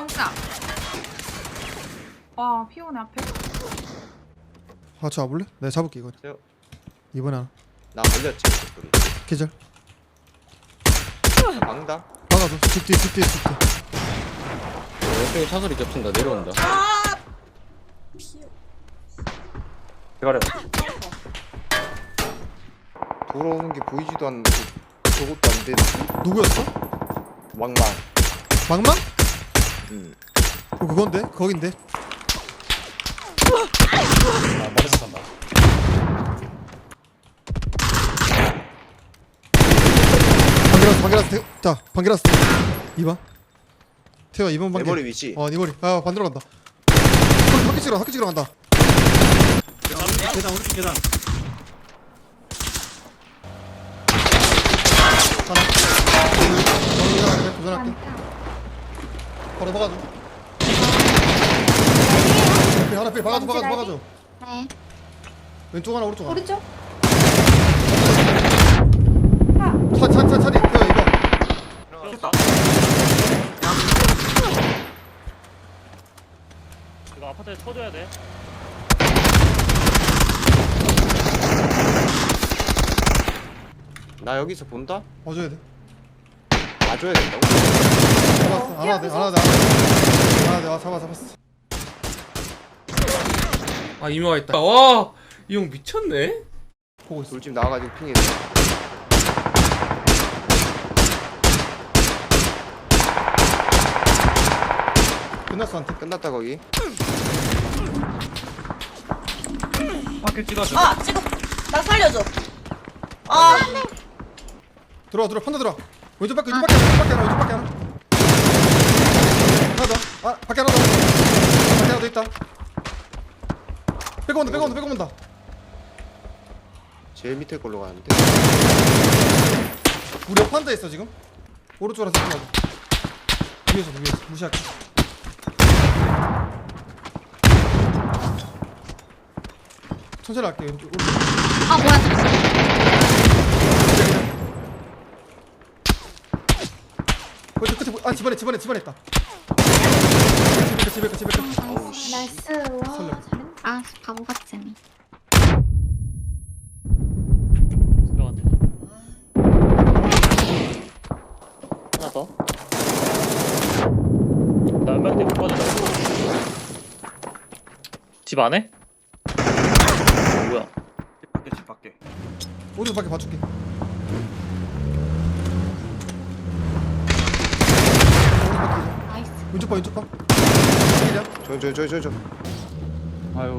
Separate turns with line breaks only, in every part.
옥상. 와 피오네 앞에.
같이 와볼래? 내가 잡을게 이거.
세요.
이번에 하나.
나 걸렸지 우리.
계절.
방다.
박아줘. 집 뒤에 집 뒤에 집 뒤에.
왼쪽에 차소리 겹친다. 내려온다.
대가리. 돌아오는 게 보이지도 않고 저것도 안 되는
누구였어?
왕망.
망망?
응.
그건데? 거긴데?
아, 머리서 간다.
반개라스 자 반개라스 2번 태워 2번
내
반개.
머리 위치.
네 머리. 아 반대로 간다. 학교 찍으러 간다.
계단 오른쪽 계단.
하나. 도전할게. 바로 박아줘. 하나 필 박아줘.
네.
왼쪽 하나 오른쪽 하나.
오른쪽.
차리 태워 2번.
쳤다. 이거 아파트에 쳐줘야 돼.
나 여기서 본다?
와줘야 돼.
봐줘야 된다고?
잡았어. 하나 돼. 잡았어.
아 이모가 있다. 와, 이 형 미쳤네.
보고 있어.
돌집 나와가지고 핑해서.
끝났어 한테.
끝났다 거기.
밖에 찍어줘.
아 찍어 나 살려줘 아
들어와 판다 들어와. 왼쪽 밖에 하나. 하나 더. 아 밖에 하나 더 있다. 빼고 온다.
제일 밑에 걸로 가는데.
우리 옆 판다 있어 지금. 오른쪽으로 생각하자. 위에서 무시할게. 천천히 할게. 오른쪽.
아 뭐야 잠시.
끝에 집안에 있다. 집에
나이스. 와
설레.
잘했네. 아 바보 같은.
들어갔네.
하나 더.
나 얼마 때못 빠졌다. 집 안에? 뭐야? 집 밖에.
오른쪽 밖에 봐줄게.
나이스.
왼쪽 봐.
저.
아유.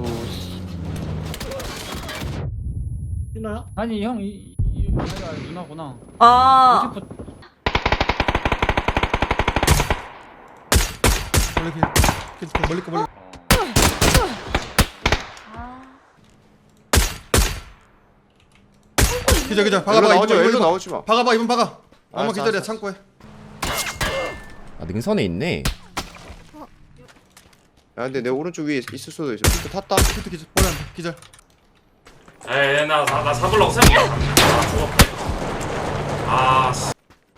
신나야?
아니 형 이 아이가 누나구나.
아
멀리 거. 기자.
일로 나오지 마.
박아봐 이번 박아. 엄마
알았어,
기다려
알았어.
창고에.
아 능선에 있네.
야 근데 내 오른쪽 위에 있을 수도 있어. 피트 탔다.
기자 버려 기자.
에이 나 잡으려고 생각해. 아 죽었다. 아 씨.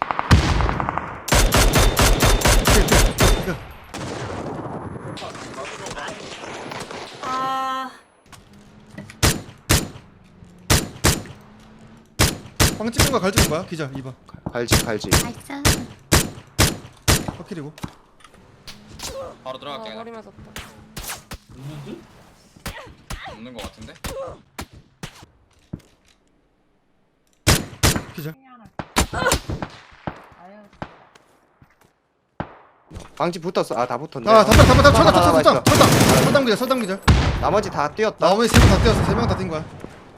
아,
방 찍는 거 갈지는 거야? 기자 2번.
갈지.
나이스.
확킬이고.
바로 들어갈게.
머리 맞았다.
없는 거 같은데?
기자.
방지 붙었어. 아 다 붙었네.
아 담당
있어.
설당 기자.
나머지 다 뛰었다.
나머지 3명 다 뛰었어. 3명 다 뛴 거야.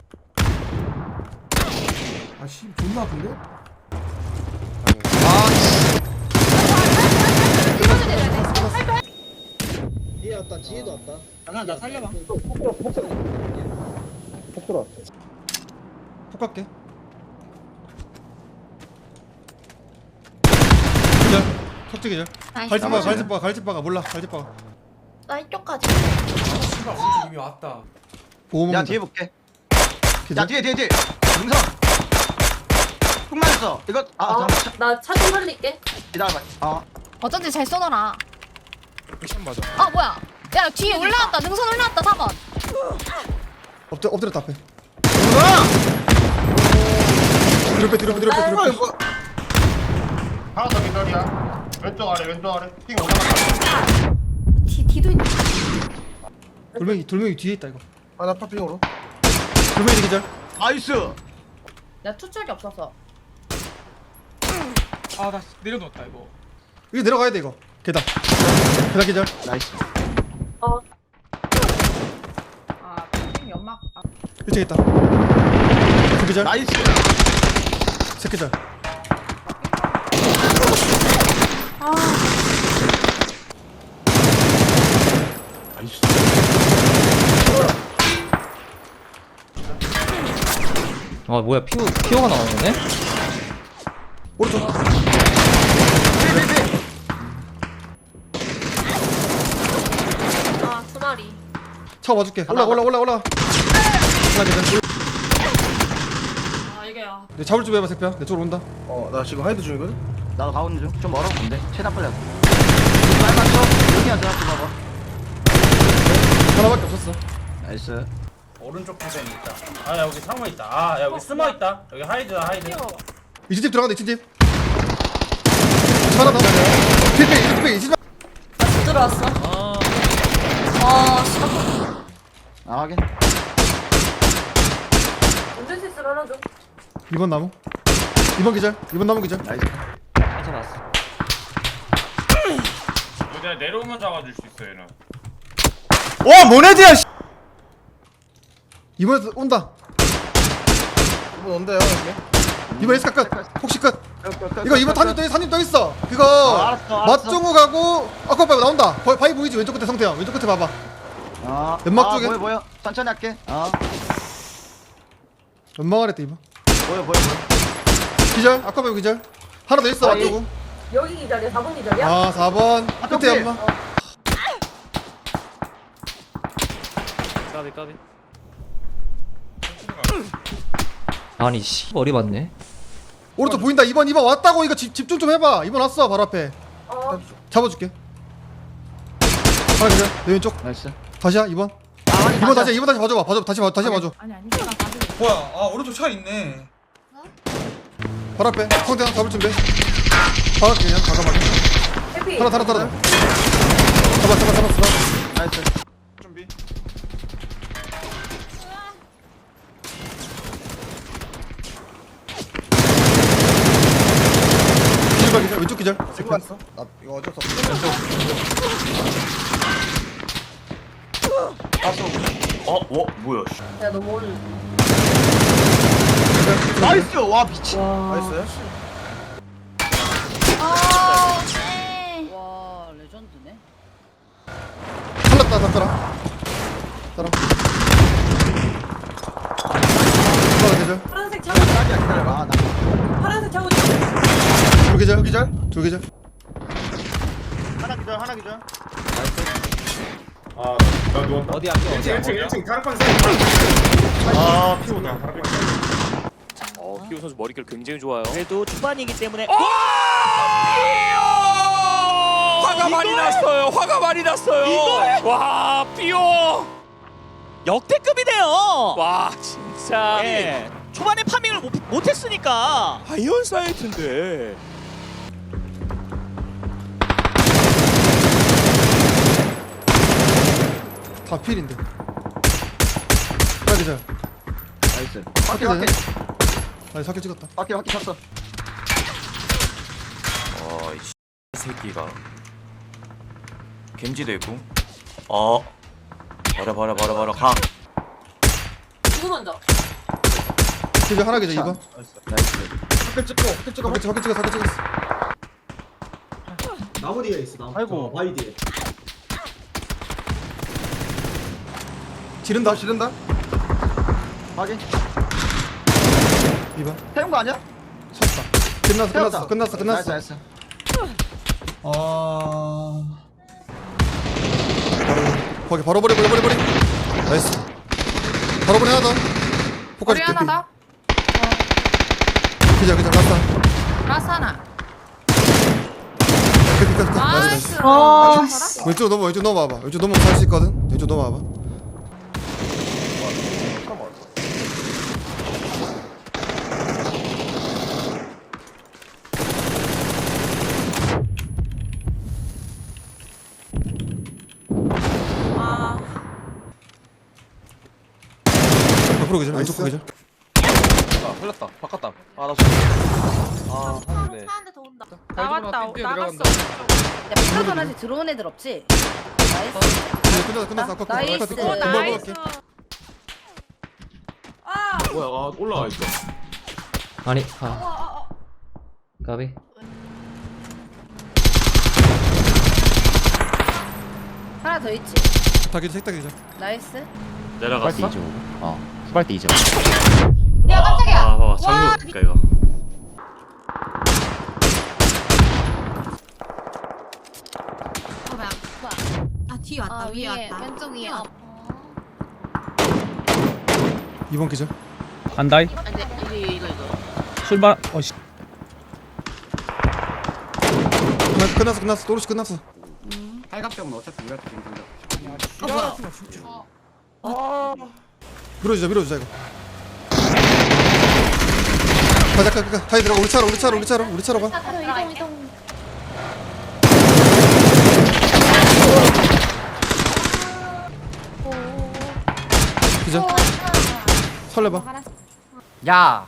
아씨 존나 아픈데?
뒤에 왔다. 뒤에도 왔다.
나 살려봐.
폭 갈게. 기자. 석재 기자.
나이스.
갈집 박아. 몰라. 갈집 박아.
나 이쪽까지
씨발 우리 이미 왔다.
보험.
야 뒤에 볼게.
기자.
야 뒤에 능선. 훅 맞았어. 이거 잠깐만
나 차 좀 살릴게
기다려봐.
어쩐지 잘 쏘더라. 아 뭐야? 야 뒤에 올라왔다. 능선 올라왔다. 4번.
엎드렸다 앞에. 뒤로 빼.
하나 더 기다려. 왼쪽 아래 핑 올라갔다.
뒤도 있네.
돌멩이 뒤에 있다 이거.
하나 파핑으로.
돌멩이 기절.
나이스.
나 투척이 없어서.
아, 나 내려놓았다 이거.
이거 내려가야 돼 이거. 계단 기절.
나이스.
아, 핑 연막. 아,
1층 있다. 그 기절.
나이스.
새끼절.
아 뭐야 피오가 나오네?
오른쪽.
아, 두 마리.
차 와줄게. 올라. 하나 기절.
아, 이게 아.
내 잡을 좀 해봐 새끼야. 내 쪽으로 온다.
나 지금 하이드 중이거든.
나도 가고 있는 중. 좀 멀어. 근데 최대한 빨리 하자. 빨간 쪽 여기 앉아. 봐봐.
하나밖에 없었어.
나이스.
오른쪽 부분에 있다. 아 여기 상무 있다. 아 여기 숨어 있다. 여기 하이드다 하이드.
이집 들어간다. 이집. 하나 더. 필패. 이집.
못 들어왔어. 아, 진짜.
아 확인.
운전 실수를 하나 줘.
2번 나무. 2번 기절. 2번 나무 기절.
나이스.
괜찮았어.
여기 내가 내려오면 잡아줄 수 있어 얘는.
와 모네드야. 2번에서 온다.
이번 온대요 형님.
2번 에스카 끝. 혹시 끝. 이거 2번 탄님 또 있어. 그거
알았어.
맞종우 가고 아까 봐봐 나온다. 바위 보이지? 왼쪽 끝에 성태형. 왼쪽 끝에 봐봐. 연막 쪽에.
보여. 천천히 할게.
연막 아래 때 2번.
보여.
기절. 아까 봐봐 기절. 하나 더 있어. 맞종우.
여기 기다려, 4번 기다려.
아 4번. 끝에 연막.
까비. 아니 씨 머리 맞네.
오른쪽 보인다. 2번 왔다고. 이거 집중 좀 해봐. 2번 왔어 바로 앞에. 잡아줄게. 하나 기절. 내 왼쪽.
나이스.
다시야 2번. 2번 다시 봐줘봐. 다시 봐줘.
아니, 내가 봐줘.
뭐야? 아, 오른쪽 차 있네.
바로 앞에. 성태형 잡을 준비. 바로 앞에 그냥 가감하게.
해피.
하나 달아. 잡았어.
나이스.
준비. 기절. 왼쪽 기절.
지금 왔어. 나 이거 어쩔 수 없어.
뭐야?
야, 너무 오늘.
나이스. 와 미친.
나이스.
아, 네.
와, 레전드네.
살렸다. 잡더라. 따라. 하나 기절.
파란색 차고,
기다려봐.
파란색 차고.
둘 기절.
하나 기절.
나 누웠다.
어디 앞에
1층 다락방 피우다.
피오 선수 머릿결 굉장히 좋아요. 그래도 초반이기 때문에 화가 많이 났어요. 와 피오 역대급이네요. 와 진짜. 초반에 파밍을 못했으니까 아이언 사이트인데.
다 필인데. 하나 기절.
나이스. 바퀴.
아니 사킬 찍었다.
바퀴 쳤어.
이 새끼가 겐지도 있고. 버려 가.
누구 먼저?
기절 하나 기절 2번.
나이스.
사킬 찍고.
사킬 찍었어.
나무 뒤에 있어. 나무.
아이고.
바위 뒤에.
지른다.
확인.
2번.
태운 거 아니야?
쳤다. 끝났어.
나이스.
거기 바로 버려. 나이스. 바로 버려 하나 더. 포카지
머리 하나 더.
기절. 라스트.
라스 하나.
끝. 나이스.
나이스.
왼쪽 넘어와봐. 왼쪽 넘어가면 살 수 있거든. 왼쪽 넘어와봐. 앞으로 계절. 왼쪽
나이스.
계절.
아 흘렸다 바꿨다 아나 하는데
차한대 더 온다.
나갔다. 나갔어.
야 피카도 아직 들어온 애들 없지? 나이스.
끝났어. 아까
나이스.
금방
나이스.
먹을게.
뭐야 아 올라와 있어
아니 까비
하나 더 있지.
다 계절. 색다 계절.
나이스.
내려갔어? 후발 때 2점
야 깜짝이야.
아 장난일까 이거.
뭐야?
아 뒤에 왔다 위에 왔다
왼쪽 위에.
2번 계절.
간다이.
이거.
출발. 어씨.
끝났어. 또르시 끝났어.
팔각정은 어차피 우리가 지금
밀어주자 이거. 가자. 타이 들어가. 우리 차로 가.
이동.
기절. 설레봐.
야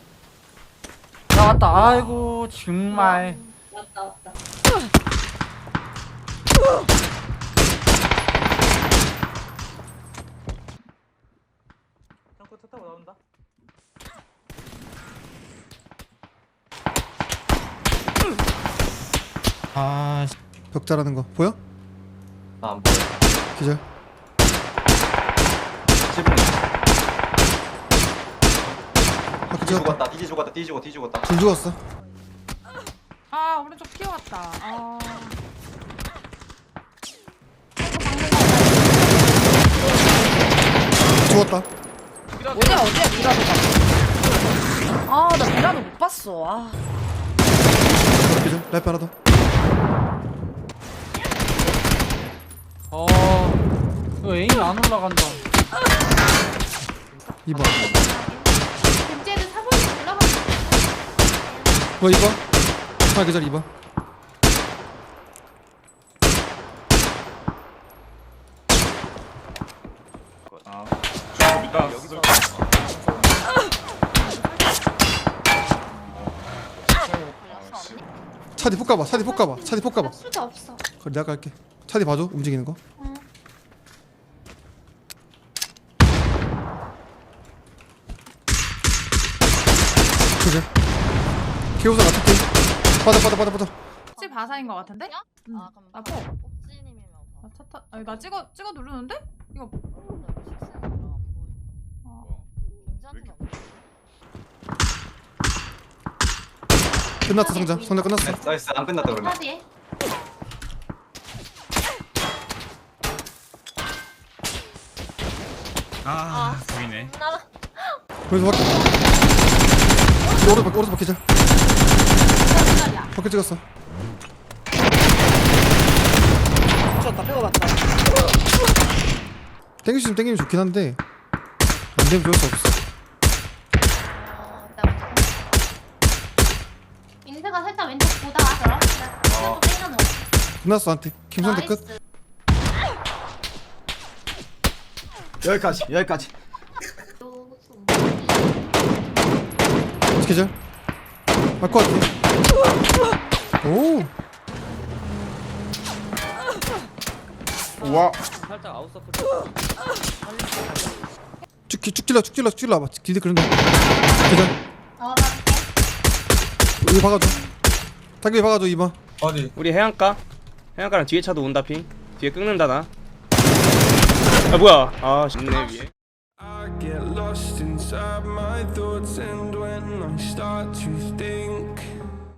나왔다 아이고 정말
왔다.
창고 차 타고 나온다.
벽 자라는 거 보여?
나안 보여
기절.
지붕
바퀴
뒤
찍었다.
죽었다 뒤 죽었다
둘 죽었어.
아 오른쪽 튀어왔다. 아.
죽었다.
어디야 미라도가. 아나 미라도 못 봤어. 아.
기절. 라이프 하나 더.
이거 에임이 안 올라간다
2번.
금제는 사번이 올라갔어.
2번. 하나 계절 2번. 차디 폭 가봐.
수도 없어.
그래 내가 갈게. 차디 봐줘. 움직이는 거. 그래. 기호사 같은 팀. 빠져.
집 바사인 것 같은데? 응.
아 그럼
아, 포.
옥진님이면
나 차타 아니 나 찍어 누르는데? 이거
끝났어 성장. 성장 끝났어.
나이스 안 끝났다 그러면
어디에?
아 보이네.
거기서 오른쪽 바퀴 절. 바퀴 찍었어. 땡기면 좋긴 한데 안 되면 좋을 수 없어.
인세가 살짝 왼쪽 보다가 그럼 또 땡겨놓어.
끝났어 한테. 김선태 끝.
여기까지
기절. 맞고 할게. 오.
우와.
살짝 아웃서클.
쭉 찔러 와봐. 길드 그런다. 기절. 여기 박아줘. 타기 박아줘 2번.
어디?
우리 해안가랑 뒤에 차도 온다 핑. 뒤에 끊는다 나. 아 뭐야? 아 있네 위에.
I get lost inside my thoughts, and when I start to think